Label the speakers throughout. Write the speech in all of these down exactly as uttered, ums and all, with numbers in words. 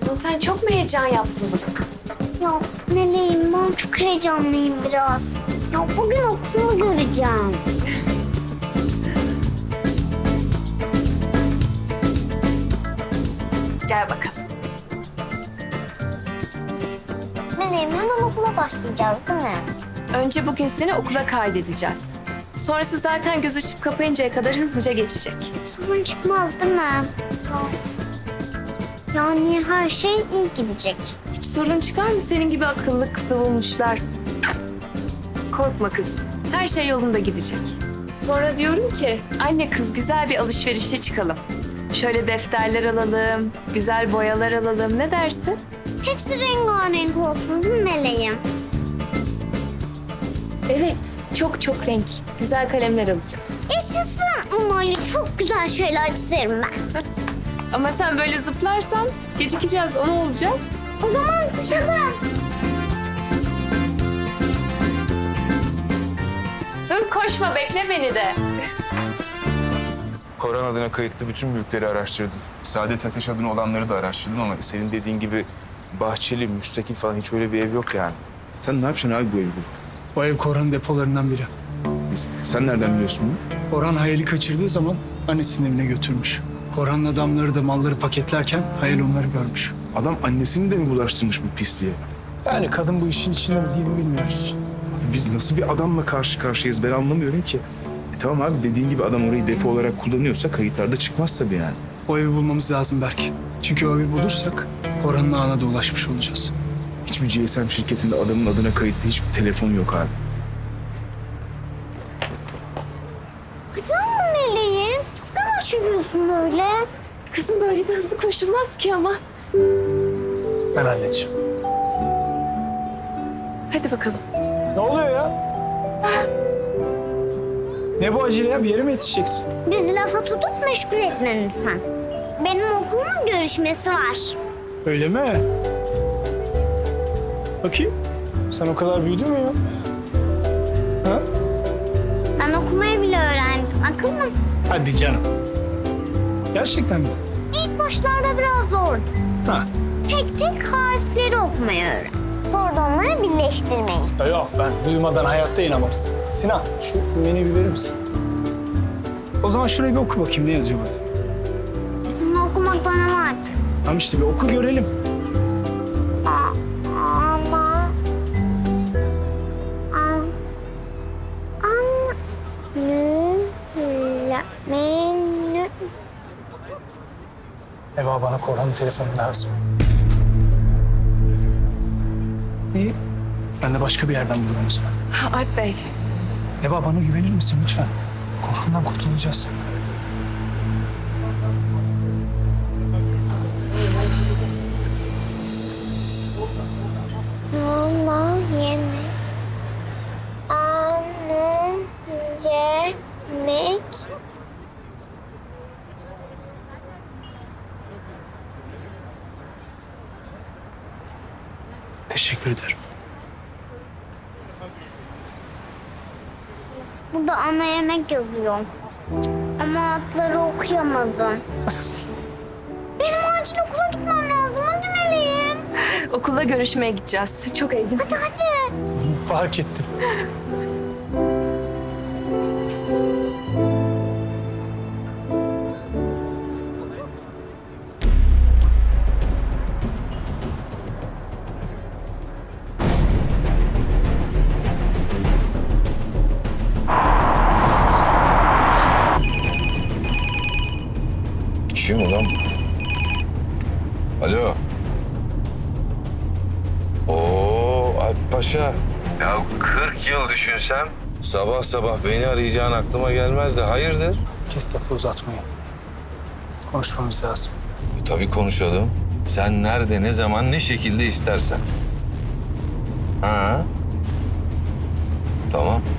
Speaker 1: Kuzum sen çok mu heyecan yaptın bugün?
Speaker 2: Ya Meleğim, ben çok heyecanlıyım biraz. Ya bugün okulumu göreceğim.
Speaker 1: Gel bakalım.
Speaker 2: Meleğim, hemen okula başlayacağız değil mi?
Speaker 1: Önce bugün seni okula kaydedeceğiz. Sonrası zaten göz açıp kapayıncaya kadar hızlıca geçecek.
Speaker 2: Sorun çıkmaz değil mi? Ya. Yani her şey iyi gidecek.
Speaker 1: Hiç sorun çıkar mı senin gibi akıllı kızı bulmuşlar? Korkma kızım. Her şey yolunda gidecek. Sonra diyorum ki anne kız güzel bir alışverişe çıkalım. Şöyle defterler alalım, güzel boyalar alalım. Ne dersin?
Speaker 2: Hepsi rengarenk olsun değil mi Meleğim?
Speaker 1: Evet, çok çok renk. Güzel kalemler alacağız.
Speaker 2: Yaşasın. Onlarla çok güzel şeyler çizerim ben.
Speaker 1: Ama sen böyle zıplarsan gecikeceğiz. O ne olacak?
Speaker 2: O zaman koşalım.
Speaker 1: Dur koşma, bekle beni de.
Speaker 3: Koran adına kayıtlı bütün mülkleri araştırdım. Saadet Ateş adına olanları da araştırdım ama senin dediğin gibi bahçeli, müstakil falan hiç öyle bir ev yok yani. Sen ne yapacaksın abi bu evi?
Speaker 4: O ev Korhan'ın depolarından biri.
Speaker 3: Sen nereden biliyorsun bunu?
Speaker 4: Korhan Hayal'i kaçırdığı zaman annesinin evine götürmüş. Korhan'ın adamları da malları paketlerken Hayal onları görmüş.
Speaker 3: Adam annesini de mi bulaştırmış bu pisliğe?
Speaker 4: Yani kadın bu işin içinde mi değil mi bilmiyoruz.
Speaker 3: Biz nasıl bir adamla karşı karşıyayız ben anlamıyorum ki. E tamam abi dediğin gibi adam orayı depo olarak kullanıyorsa kayıtlarda çıkmaz tabii yani.
Speaker 4: O evi bulmamız lazım Berk. Çünkü o evi bulursak Korhan'ın ağına da ulaşmış olacağız.
Speaker 3: Hiçbir G S M şirketinde adamın adına kayıtlı hiçbir telefon yok abi.
Speaker 2: Hadi ama Meleğim. Çok yavaş yürüyorsun böyle.
Speaker 1: Kızım böyle de hızlı koşulmaz ki ama.
Speaker 4: Ben halledeceğim.
Speaker 1: Hadi bakalım.
Speaker 4: Ne oluyor ya? Ne bu acele ya? Bir yere mi yetişeceksin?
Speaker 2: Bizi lafa tutup meşgul etme lütfen. Benim okulumun görüşmesi var.
Speaker 4: Öyle mi? Bakayım. Sen o kadar büyüdün mü ya? Ha?
Speaker 2: Ben okumayı bile öğrendim. Akıllım.
Speaker 4: Hadi canım. Gerçekten mi?
Speaker 2: İlk başlarda biraz zordu.
Speaker 4: Ha.
Speaker 2: Tek tek harfleri okumayı öğrendim. Sonra da onları birleştirmeyi.
Speaker 4: Ya yok ben duymadan hayatta inanmazsın. Sinan şu menüyü bir verir misin? O zaman şurayı bir oku bakayım ne yazıyor burada.
Speaker 2: Bunu okumakta ne var ki?
Speaker 4: Tamam işte bir oku görelim.
Speaker 2: Ana. An. An. Nü. La. Menü.
Speaker 4: Eva bana Korhan'ın telefonu lazım. İyi. Ben de başka bir yerden bulurum o zaman.
Speaker 1: Ha, Alp Bey.
Speaker 4: Eva bana güvenir misin lütfen? Korkundan kurtulacağız.
Speaker 2: Ana yemek. Ana yemek.
Speaker 4: Teşekkür ederim.
Speaker 2: Burada ana yemek yazıyor. Cık, ama adları okuyamadım. Benim acil okula gitmem lazım. Hadi Meleğim.
Speaker 1: Okulda görüşmeye gideceğiz. Çok heyecanlı.
Speaker 2: Hadi hadi.
Speaker 4: Fark ettim.
Speaker 5: Kim ulan? Alo. Oo Alp Paşa. Ya kırk yıl düşünsem sabah sabah beni arayacağın aklıma gelmezdi. Hayırdır?
Speaker 4: Kes lafı uzatmayın. Konuşmamız lazım.
Speaker 5: E, tabii konuşalım. Sen nerede, ne zaman, ne şekilde istersen. Ha? Tamam.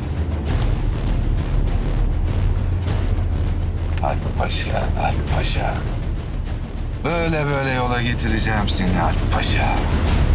Speaker 5: Alp Paşa, Alp Paşa. Böyle böyle yola getireceğim seni Alp Paşa.